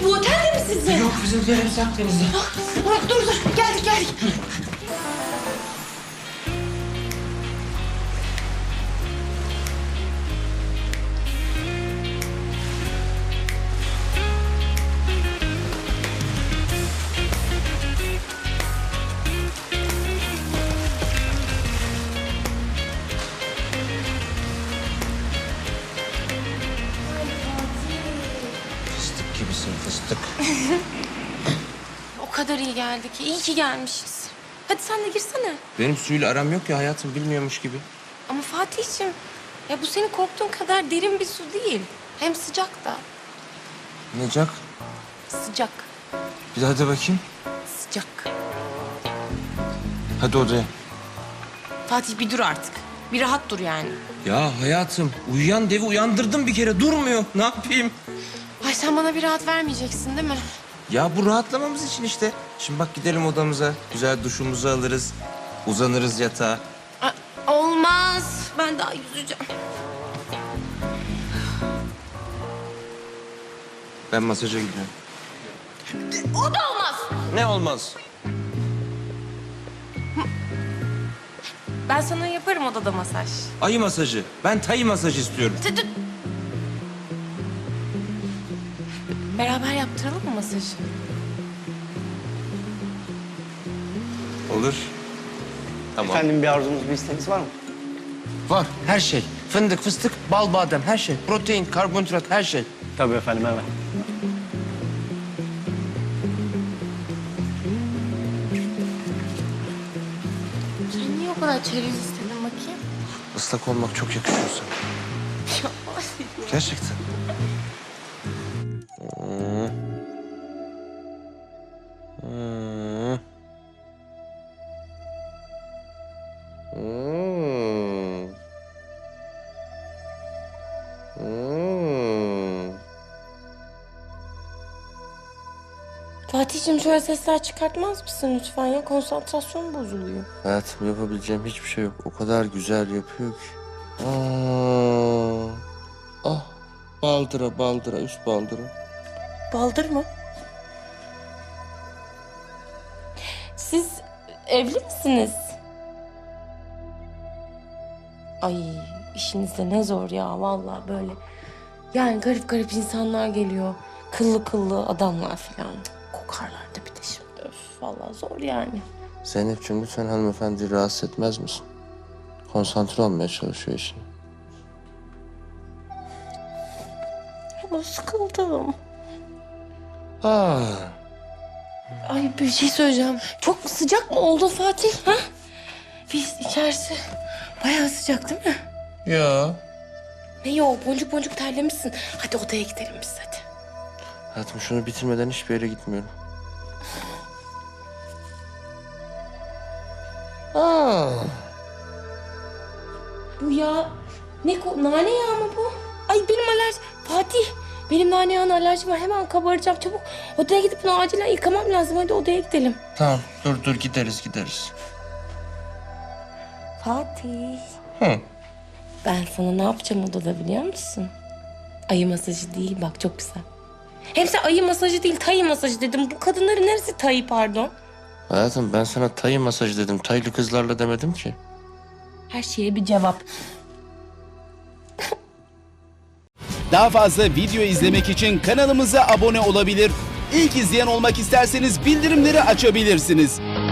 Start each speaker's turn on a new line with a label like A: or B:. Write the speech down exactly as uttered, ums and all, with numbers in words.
A: Fatih bu otelde mi sizin?
B: Yok bizimkiler hepsi Akdeniz'de.
A: Dur dur geldik geldik.
B: Fıstık gibisin fıstık.
A: O kadar iyi geldi ki. İyi ki gelmişiz. Hadi sen de girsene.
B: Benim suyla aram yok ya hayatım, bilmiyormuş gibi.
A: Ama Fatih'ciğim ya bu senin korktuğun kadar derin bir su değil. Hem sıcak da.
B: Necak?
A: Sıcak.
B: Bir daha de bakayım.
A: Sıcak.
B: Hadi odaya.
A: Fatih bir dur artık. Bir rahat dur yani.
B: Ya hayatım, uyuyan devi uyandırdım bir kere, durmuyor. Ne yapayım?
A: Ay sen bana bir rahat vermeyeceksin değil mi?
B: Ya bu rahatlamamız için işte. Şimdi bak gidelim odamıza, güzel duşumuzu alırız. Uzanırız yatağa.
A: Aa, olmaz. Ben daha yüzeceğim.
B: Ben masaja gidiyorum.
A: O da olmaz.
B: Ne olmaz?
A: Ben sana yaparım odada masaj.
B: Ayı masajı. Ben tayı masajı istiyorum.
A: Dur, dur. Beraber yaptıralım mı masajı?
B: Olur. Tamam.
C: Efendim bir arzunuz, bir isteğiniz var mı?
B: Var her şey. Fındık, fıstık, bal, badem, her şey. Protein, karbonhidrat, her şey.
C: Tabii efendim, hemen.
A: Sen niye o kadar çerez istedin bakayım?
B: Islak olmak çok yakışıyor sana. Gerçekten. Hmm. Hmm. Hmm. Hmm.
A: Fatih'ciğim şöyle sesler çıkartmaz mısın lütfen ya? Konsantrasyon bozuluyor.
B: Hayatım, yapabileceğim hiçbir şey yok. O kadar güzel yapıyor ki. Aa. Ah. Baldıra, baldıra, üst baldıra.
A: Baldır mı? Siz evli misiniz? Ay işiniz de ne zor ya vallahi böyle. Yani garip garip insanlar geliyor. Kıllı kıllı adamlar falan. Kokarlar da bir de şimdi. Öf vallahi zor yani.
B: Zeynep'ciğim lütfen hanımefendi rahatsız etmez misin? Konsantre olmaya çalışıyor işine.
A: Ama sıkıldım.
B: Ah.
A: Ay bir şey söyleyeceğim. Çok sıcak mı oldu Fatih? Ha? Biz içerisi bayağı sıcak değil mi?
B: Ya.
A: Ne yok boncuk boncuk terlemişsin. Hadi odaya gidelim biz hadi.
B: Hayatım şunu bitirmeden hiçbir yere gitmiyorum. Aa.
A: Bu ya ne ko nane yağı mı bu? Ay benim alerji. Fatih benim nane yağına alerjim var. Hemen kabaracağım çabuk. Odaya gidip bunu acilen yıkamam lazım. Hadi odaya gidelim.
B: Tamam dur dur gideriz gideriz.
A: Fatih.
B: Hı.
A: Ben sana ne yapacağım odada biliyor musun? Ayı masajı değil bak çok güzel. Hem sen ayı masajı değil tayı masajı dedim. Bu kadınların neresi tayı pardon?
B: Hayatım ben sana tayı masajı dedim. Taylı kızlarla demedim ki.
A: Her şeye bir cevap.
D: Daha fazla video izlemek için kanalımıza abone olabilir. İlk izleyen olmak isterseniz bildirimleri açabilirsiniz.